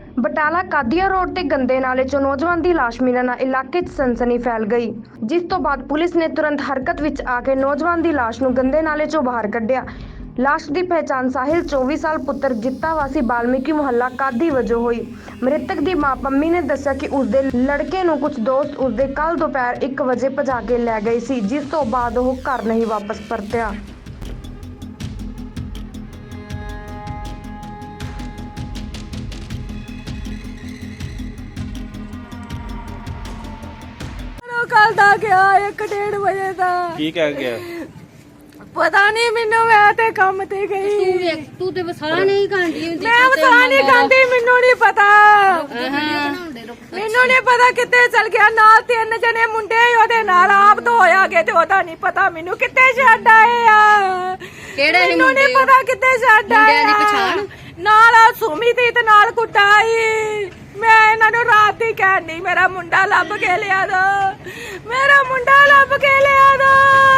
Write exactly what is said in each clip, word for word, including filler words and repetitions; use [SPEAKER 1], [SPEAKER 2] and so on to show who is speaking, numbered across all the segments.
[SPEAKER 1] Batala ਕਾਦੀਆ road ਤੇ ਗੰਦੇ ਨਾਲੇ ਚੋਂ ਨੌਜਵਾਨ ਦੀ ਲਾਸ਼ ਮਿਲਣ ਨਾਲ ਇਲਾਕੇ 'ਚ ਸਨਸਨੀ ਫੈਲ ਗਈ, ਜਿਸ ਤੋਂ ਬਾਅਦ ਪੁਲਿਸ ਨੇ ਤੁਰੰਤ ਹਰਕਤ ਵਿੱਚ ਆ ਕੇ ਨੌਜਵਾਨ ਦੀ ਲਾਸ਼ ਨੂੰ ਗੰਦੇ ਨਾਲੇ ਚੋਂ ਬਾਹਰ ਕੱਢਿਆ। ਲਾਸ਼ ਦੀ ਪਹਿਚਾਣ ਸਾਹਿਲ ਚੌਵੀ ਸਾਲ ਪੁੱਤਰ ਜਿੱਤਾ ਵਾਸੀ ਬਾਲਮੀਕੀ ਮੁਹੱਲਾ ਕਾਦੀ ਵਜੋਂ ਹੋਈ। ਮ੍ਰਿਤਕ ਦੀ ਮਾਂ ਪੰਮੀ ਨੇ ਦੱਸਿਆ ਕਿ ਉਸਦੇ ਲੜਕੇ ਨੂੰ ਕੁਝ ਦੋਸਤ ਉਸਦੇ ਕੱਲ ਦੁਪਹਿਰ ਇੱਕ ਵਜੇ ਭਜਾ ਕੇ ਲੈ ਗਏ ਸੀ, ਜਿਸ ਤੋਂ ਬਾਅਦ ਉਹ ਘਰ ਨਹੀਂ ਵਾਪਸ ਪਰਤਿਆ।
[SPEAKER 2] कल दा गया एक डेढ़ बजे दा
[SPEAKER 3] की कह गया
[SPEAKER 2] पता नहीं मैनू मैं ते काम ते गई
[SPEAKER 4] तू तू ते वसा नहीं खांदी हुंदी
[SPEAKER 2] मैं वसा नहीं खांदी मैनू नहीं पता मैनू नहीं पता कित्थे चल गया नाल तीन जने मुंडे ओदे नाल आप तो होया गए ते ओदा नहीं पता मैनू कित्थे छड्ड आए आ
[SPEAKER 4] केड़े
[SPEAKER 2] मैनू नहीं पता कित्थे छड्ड आए
[SPEAKER 4] मुंडियां दी पछाण
[SPEAKER 2] नाल सुमी दी ते नाल कुटाई मैं इन्हां नूं रात ही कहनी मेरा मुंडा लभ के लिया दो मेरा मुंडा लभ के लिया दो।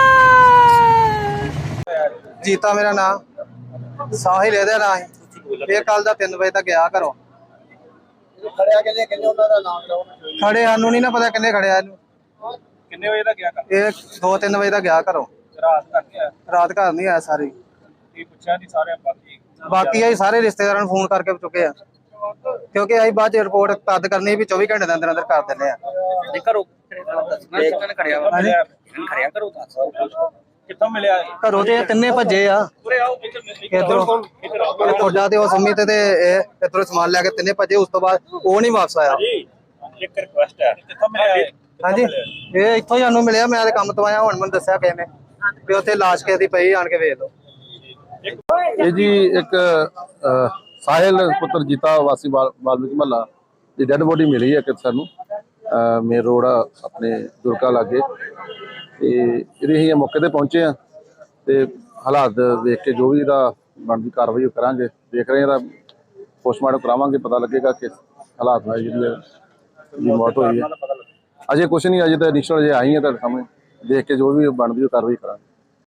[SPEAKER 5] जीता मेरा नाम साहिल ਇਹਦਾ ਨਾਂ ਹੈ। ਇਹ ਕੱਲ ਦਾ तीन ਵਜੇ ਤੱਕ ਗਿਆ ਘਰੋਂ।
[SPEAKER 6] ਖੜਿਆ ਕਿੰਨੇ ਕਿੰਨੇ ਉਹਨਾਂ ਦਾ ਨਾਮ ਲਓ।
[SPEAKER 5] ਖੜੇ ਸਾਨੂੰ ਨਹੀਂ ਨਾ ਪਤਾ ਕਿੰਨੇ ਖੜਿਆ ਇਹਨੂੰ।
[SPEAKER 3] किन्ने बजे तक गया कर
[SPEAKER 5] ਇਹ दो तीन ਵਜੇ ਤੱਕ ਗਿਆ ਘਰੋਂ।
[SPEAKER 3] रात तक गया
[SPEAKER 5] ਰਾਤ ਘਰ ਨਹੀਂ ਆਇਆ ਸਾਰੀ।
[SPEAKER 3] की पूछा नहीं सारे बाकी
[SPEAKER 5] ਬਾਕੀ ਅਸੀਂ ਸਾਰੇ ਰਿਸ਼ਤੇਦਾਰਾਂ ਨੂੰ ਫੋਨ ਕਰਕੇ ਚੁੱਕੇ ਆ, ਕਿਉਂਕਿ ਅਸੀਂ ਬਾਅਦ ਚ ਰਿਪੋਰਟ ਤਦ ਕਰਨੀ ਵੀ चौबीस ਘੰਟੇ ਦੇ ਅੰਦਰ ਅੰਦਰ ਕਰ ਦਿੰਦੇ ਆ।
[SPEAKER 3] करो कितने खड़िया खड़िया करो कितों मिलया
[SPEAKER 5] ਘਰੋਂ ਤੇ ਇਹ ਤਿੰਨੇ ਭੱਜੇ ਆ
[SPEAKER 3] पूरे आओ
[SPEAKER 5] ਇਧਰੋਂ ਤੁਹਾਡਾ ਤੇ ਉਹ ਸੰਮੀ ਤੇ ਇਹ ਇਧਰੋਂ ਸਮਾਨ ਲੈ ਕੇ ਤਿੰਨੇ ਭੱਜੇ। ਉਸ ਤੋਂ ਬਾਅਦ ਉਹ ਨਹੀਂ ਵਾਪਸ ਆਇਆ।
[SPEAKER 3] जी एक रिक्वेस्ट है कितों मिलया
[SPEAKER 5] ਹਾਂਜੀ ਇਹ ਇੱਥੋਂ ਹੀ ਸਾਨੂੰ ਮਿਲਿਆ। ਮੈਂ ਤੇ ਕੰਮ ਤੋਂ ਆਇਆ, ਹੁਣ ਮੈਨੂੰ ਦੱਸਿਆ ਕਿਸੇ ਨੇ ਵੀ ਉੱਥੇ ਲਾਸ਼ ਕਿਸੇ ਦੀ ਪਈ, ਆਣ ਕੇ ਵੇਖ ਲਓ।
[SPEAKER 7] ਇਹ ਜੀ ਇੱਕ ਸਾਹਿਲ ਪੁੱਤਰ ਜੀਤਾ ਵਾਸੀ ਬਾਲਮੀਕੀ ਮਹੱਲਾ ਦੀ ਡੈੱਡ ਬੋਡੀ ਮਿਲੀ ਹੈ ਕਿ ਸਾਨੂੰ ਮੇਨ ਰੋਡ ਆਪਣੇ ਦੁਰਗਾ ਲਾਗੇ, ਤੇ ਇਹਦੇ ਅਸੀਂ ਮੌਕੇ ਤੇ ਪਹੁੰਚੇ ਆ ਤੇ ਹਾਲਾਤ ਦੇਖ ਕੇ ਜੋ ਵੀ ਇਹਦਾ ਬਣਦੀ ਕਾਰਵਾਈ ਕਰਾਂਗੇ। ਦੇਖ ਰਹੇ ਇਹਦਾ ਪੋਸਟਮਾਰਟਮ ਕਰਾਵਾਂਗੇ, ਪਤਾ ਲੱਗੇਗਾ ਕਿ ਹਾਲਾਤ ਨਾਲ ਜਿਹੜੀ ਮੌਤ ਹੋਈ ਹੈ। ਅਜੇ ਕੁਛ ਨਹੀਂ, ਅਜੇ ਤਾਂ ਇਨੀਸ਼ੀਅਲ ਜੇ ਆਈ ਹੈ ਤੁਹਾਡੇ ਸਾਹਮਣੇ, ਦੇਖ ਕੇ ਜੋ ਵੀ ਬਣਦੀ ਕਾਰਵਾਈ ਕਰਾਂਗੇ।